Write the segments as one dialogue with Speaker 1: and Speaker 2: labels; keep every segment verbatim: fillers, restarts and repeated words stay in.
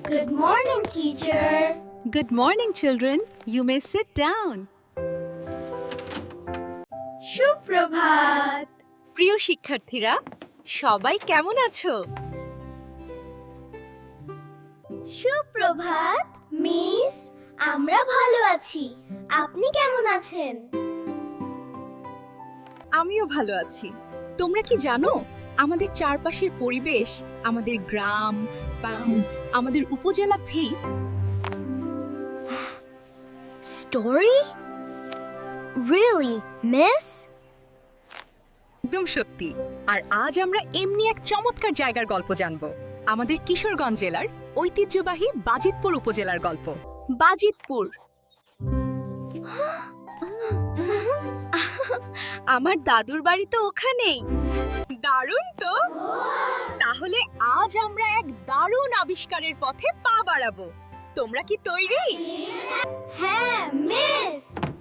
Speaker 1: Good morning, teacher.
Speaker 2: Good morning, children. You may sit down.
Speaker 1: সুপ্রভাত।
Speaker 2: প্রিয় শিক্ষার্থীরা, সবাই কেমন আছো?
Speaker 1: সুপ্রভাত মিস, আমরা ভালো আছি। আপনি কেমন আছেন?
Speaker 2: আমিও ভালো আছি। তোমরা কি জানো, আমাদের চারপাশের পরিবেশ, আমাদের গ্রাম বা আমাদের উপজেলা ফেই
Speaker 1: Story? Really, miss?
Speaker 2: একদম সত্যি। আর আজ আমরা এমনি এক চমৎকার জায়গার গল্প জানব। আমাদের কিশোরগঞ্জ জেলার ঐতিহ্যবাহী বাজিতপুর উপজেলার গল্প। বাজিতপুর। আমার দাদুর বাড়ি তো ওখানেই। দারুণ তো। তাহলে আজ আমরা এক দারুণ আবিষ্কারের পথে পা বাড়াবো। তোমরা কি তৈরি?
Speaker 1: হ্যাঁ, মিস।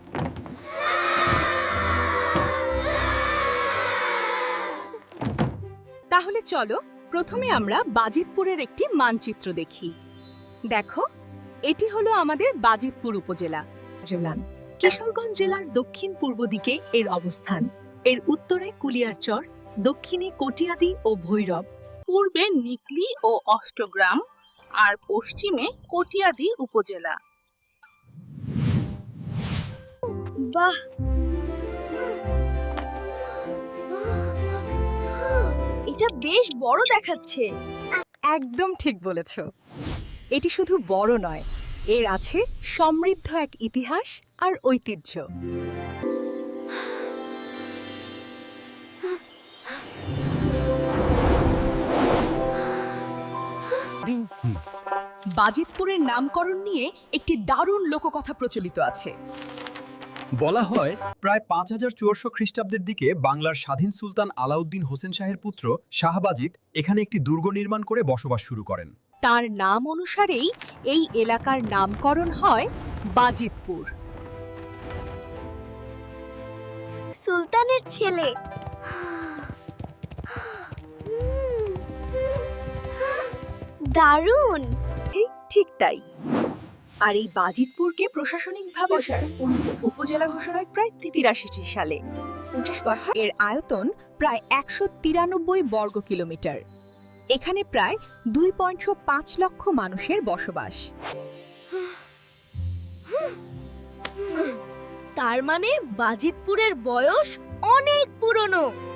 Speaker 2: তাহলে চলো প্রথমে আমরা বাজিতপুরের একটি মানচিত্র দেখি। দেখো, এটি হলো আমাদের বাজিতপুর উপজেলা। কিশোরগঞ্জ জেলার দক্ষিণ পূর্ব দিকে এর অবস্থান। এর উত্তরে কুলিয়ারচর, দক্ষিণে কটিয়াদি ও ভৈরব,
Speaker 3: পূর্বে নিকলি ও অষ্টগ্রাম আর পশ্চিমে কটিয়াদি উপজেলা।
Speaker 1: বাহ, এটা বেশ বড় দেখাচ্ছে।
Speaker 2: একদম ঠিক বলেছ। এটি শুধু বড় নয়, এর আছে সমৃদ্ধ এক ইতিহাস আর ঐতিহ্য। বাজিতপুরের নামকরণ নিয়ে একটি দারুণ লোককথা প্রচলিত আছে।
Speaker 4: বলা হয় প্রায় পাঁচ হাজার চুয়াশো খ্রিস্টাব্দের দিকে বাংলার স্বাধীন সুলতান আলাউদ্দিন হোসেন শাহের পুত্র শাহ বাজিত এখানে একটি দুর্গ নির্মাণ করে বসবাস শুরু করেন।
Speaker 2: তার নাম অনুসারেই এই এলাকার নামকরণ হয় বাজিতপুর।
Speaker 1: সুলতানের ছেলে। দারুণ।
Speaker 2: ঠিক ঠিক তাই। আর এই বাজিতপুরকে প্রশাসনিকভাবে উপজেলা ঘোষণা হয় প্রায় তিরাশি সালে। এর আয়তন প্রায় একশো তিরানব্বই বর্গ কিলোমিটার। এখানে প্রায় দুই পয়েন্ট পাঁচ লক্ষ মানুষের বসবাস।
Speaker 1: তার মানে বাজিতপুরের বয়স অনেক পুরনো।